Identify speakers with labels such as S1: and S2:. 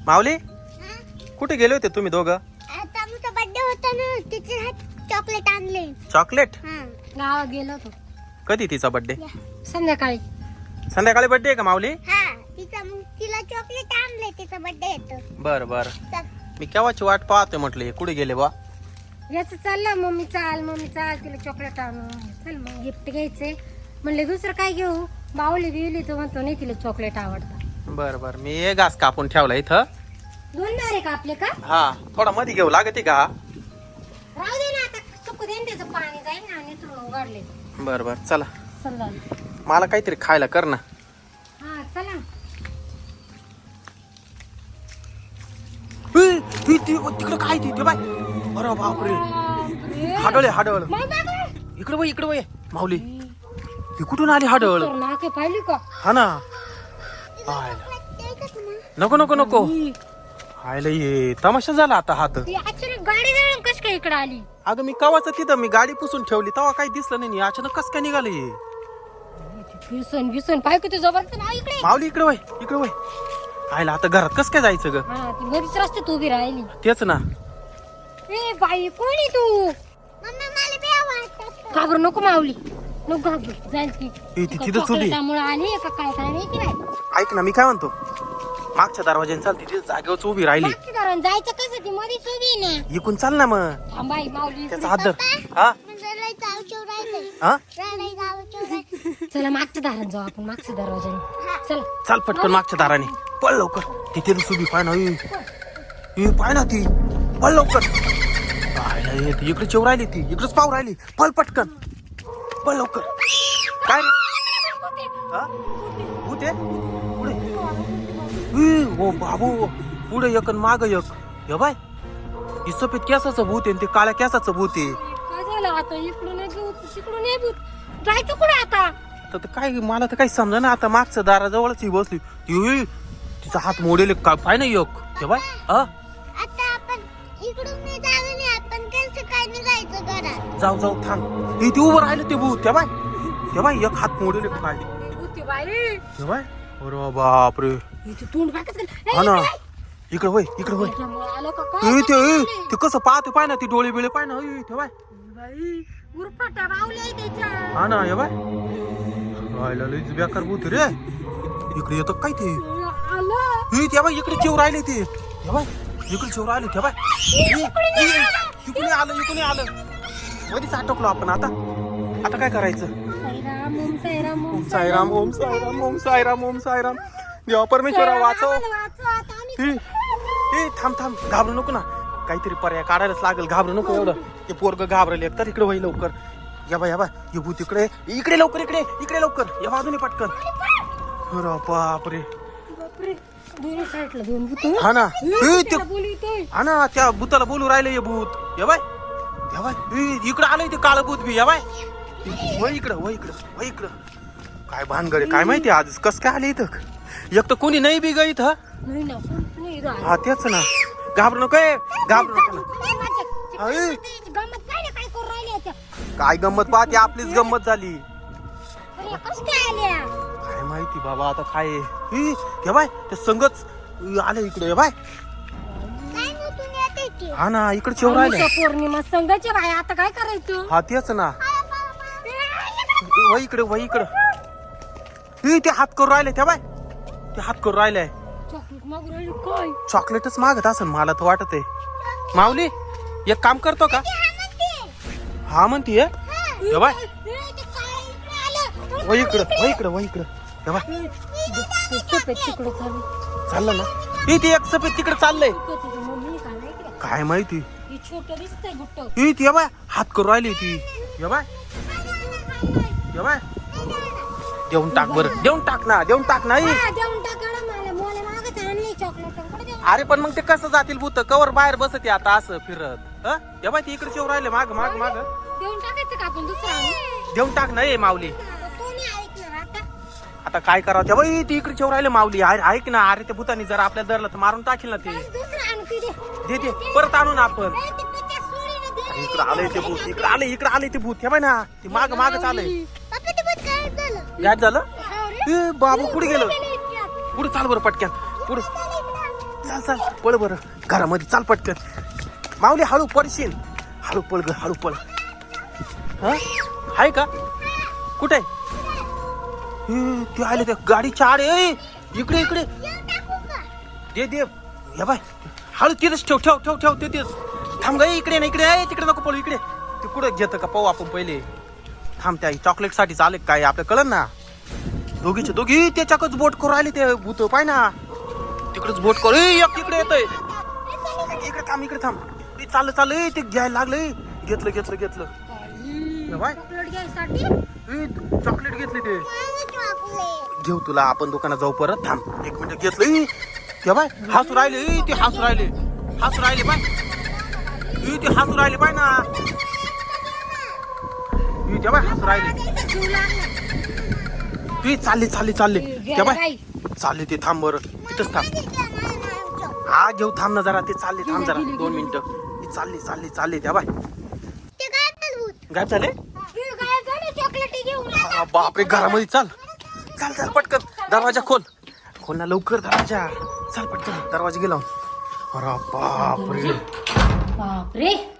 S1: माऊली कुठे गेले होते तुम्ही दोघं?
S2: आता आमचा बर्थडे होता ना, तिचे चॉकलेट आणले.
S1: चॉकलेट?
S2: गावात गेलो होतो.
S1: कधी तिचा बर्थडे?
S2: संध्याकाळी.
S1: संध्याकाळी बर्थडे आहे का माऊली?
S2: तिला चॉकलेट आणले, तिचा बर्थडे येतो.
S1: बर बर. मी केव्हाची वाट पाहतोय म्हटले कुठे गेले बा.
S2: याच चाललं मम्मी चाल तिला चॉकलेट आणू. चल मग गिफ्ट घ्यायचे म्हणले, दुसरं काय घेऊ. बावली बिवली तर म्हणतो नाही तिला चॉकलेट आवडतं.
S1: बर बर. मी हे घास कापून ठेवला इथं.
S2: दोन नारे कापले का?
S1: हा थोडा मध्ये घेऊ लागते का?
S2: राहू दे ना, आता सुकू दे ना, त्याचं पाणी जाईल ना. आणि तुला उघडले.
S1: बर बर चला.
S2: समजा
S1: मला काहीतरी खायला कर ना.
S2: हा चला.
S1: तिकडे काय ते बाय. अरे बापरे, हाडळ. इकडे वय इकडे वय माऊली. ती कुठून आली हाडळ?
S2: नाके पाहिली का?
S1: हा ना. नको नको नको. आयला ये तमाशा झाला आता हात.
S2: अचानक गाडी जळून कस काय इकडे आली?
S1: अगं मी कवाच तिथं मी गाडी पुसून ठेवली तेव्हा काही दिसलं नाही. अचानक कस काय निघाले?
S2: भीसन पाय किती जबरदस्त ना इकडे.
S1: माऊली इकडे वय. आयला आता घरात कस काय जायचं ग?
S2: हा ती मधीच रस्त्यात उभी राहिली.
S1: तेच ना.
S2: ए बाई कोणी तू? मम्मी मला बी आवडतं. घाबरू नको माऊली, नको घाबरू. जाईल ती.
S1: तिथंच उभी.
S2: त्यामुळे आली का काय काय माहिती नाही.
S1: ऐक ना मी काय म्हणतो, मागच्या दरवाज्याने चालती तिथे जागेवरच उभी राहिली.
S2: जायचं कसं, ती मधीच उभी ना.
S1: इकून चाल ना मग.
S2: थांबाई माऊली.
S1: त्याचा हात धर. हा हा
S2: चला मागच्या दारात जाऊ आपण, मागच्या दरवाजाने. चला
S1: चाल पटकन मागच्या दाराने. पळ लवकर. तिथे उभी पाय ना. पाय ना ती. पळ लवकर. इकडे चेव राहिली ती. इकडेच पाव राहिली. पळ पटकन. पळ लवकर. काय रे? हा? भूत आहे? पुढे ओ बाबू, पुढे एक आणि माग एक. हे बाय, ही सफेद केसाचं भूत आहे, ते काळ्या केसाचं भूत आहे.
S2: काय झालं आता? इकडून एक भूत, तिकडून एक भूत. जायचं कुठे आता?
S1: तर काय मला तर काही समजा ना. आता मागच्या दाराजवळच ही बसली. तिचा हात मोडेल काय पाय नाही एक. हे बाय
S2: आता आपण इकडून नाही जाऊ नये, आपण कसं काय नाही जायचं घरात.
S1: जाऊ थांब. ते उभं राहिलं ते भूत. ते बाय एक हात मोडेल काय.
S2: भूत बाई.
S1: हे बाय. अरे बापरे.
S2: तोंड फाकच
S1: हा ना. इकडे वय.
S2: आलं का काय?
S1: ते कसं पाहते पाय ना. ती डोळे बिळे पाय ना. ते बाय
S2: उरफाट्या बावल्या त्याच्या.
S1: हा ना. हे बाय राहिला लईच बेकार भूत रे. इकडे येतो काय ते? ते बाय इकडे चिव राहिले ते. हे बाय इकडे चिव राहिले. ते बाय इकडे आलं. मध्येच अटकलो आपण. आता काय करायचं? ओम साईराम. देवा परमेश्वरा वाचव. थांब घाबरू नको ना. काहीतरी पर्याय काढायलाच लागेल. घाबरू नको एवढं. ते पोरग घाबरले तर इकडे वही लवकर. या बाय हे भूत इकडे लवकर. इकडे लवकर. या बाजूने पटकन. अरे बापरे. हा ना. हा ना. त्या भूताला बोलू राहिले हे भूत. या बाय इकडे आलंय ते काळं भूत बी. या बाय वय इकडं. काय भानगड काय माहिती आज कस काय आले इथं. एक तर कोणी नाही बी ग इथं. हा तेच ना. घाबरू नको ना. काय गंमत पाहते. आपलीच गंमत झाली. काय माहिती बाबा आता काय. हे बाय ते संगच आले इकडे. बाय हा ना. इकडे चेव राहिले.
S2: पौर्णिमा संघाचे बाय. आता काय करायचं?
S1: हा तेच ना. वही इकडे. ते हात करून राहिले. त्या बाय ते हात करून राहिले. चॉकलेटच मागत असेल मला तर वाटत आहे. माऊली एक काम करतो का? हा म्हणतीये. बाय वही इकडं. चाललं ना. ते एक सफेद तिकडे चाललंय. काय माहिती. ती बाय हात करून राहिली ती. बाय देऊन टाक बरं. देऊन टाक ना. अरे पण मग ते कसं जातील भूत? कवर बाहेर बसते आता असं फिरत. बाय ती इकडे येऊ राहिले माग.
S2: देऊन टाकायचं का आपण दुसरा?
S1: देऊन टाक ना. माऊली आता काय करावं? बाई ती इकडे येऊ राहिले माऊली. ऐक ना. अरे त्या भूतानी जर आपल्याला धरलं तर मारून टाकील ना ते. दे परत आणू ना आपण. इकडे आलंय ते भूत. इकडे आलंय ते भूत. हे बाय ना. ती माग चालय. गायब झालं. बाबू कुठे गेलं? पुढे चाल बरं पटक्यान. पुढे चाल चाल पळ बरं घरामध्ये चाल पटकन. माऊली हळू पडशील. हळू पळ ग हळू पळ. हा आहे का कुठे ते आले त्या गाडीच्या आड. इकडे इकडे दे दे या बाय. हळू तिथेच ठेव ठेव ठेव ठेव तिथेच थांब ग. इकडे ना इकडे आहे तिकडे नको पळू. इकडे ते कुठं घेतं का पाहू आपण पहिले. थांब त्या चॉकलेट साठी चालेल काय आपल्या कळन ना. दोघीचे दोघी त्याच्याकच बोट करून राहिले ते भूत पाय ना. तिकडेच बोट करू. एक इकडे येतोय. इकडे थांब इकडे थांब. चाललं चाललंय ते घ्यायला लागलंय. घेतलं घेतलं घेतलं बाय.
S2: चॉकलेट घ्यायसाठी
S1: चॉकलेट घेतली ते घेऊ तुला. आपण दुकानात जाऊ परत. थांब 1 मिनिट. घेतलं ते बाय. हसू राहिले ते हसू राहिले. हसू राहिले बाय. ते हसू राहिले बाय ना. ते बाय हसू राहिले. ते चालले चालले चालले ते बाय. चालले ते थांब बरं तिथंच थांब. हा घेऊ थांब ना जरा. ते चालले थांब जरा 2 मिनिटं. चालले चालले चालले त्या बाय. गायब झाले. बापरे घरामध्ये चाल चाल चाल पटकन. दरवाजा खोल. खोल ना लवकर दरवाजा. चाल पटकन दरवाजा गेला. अरे बापरे
S2: बापरे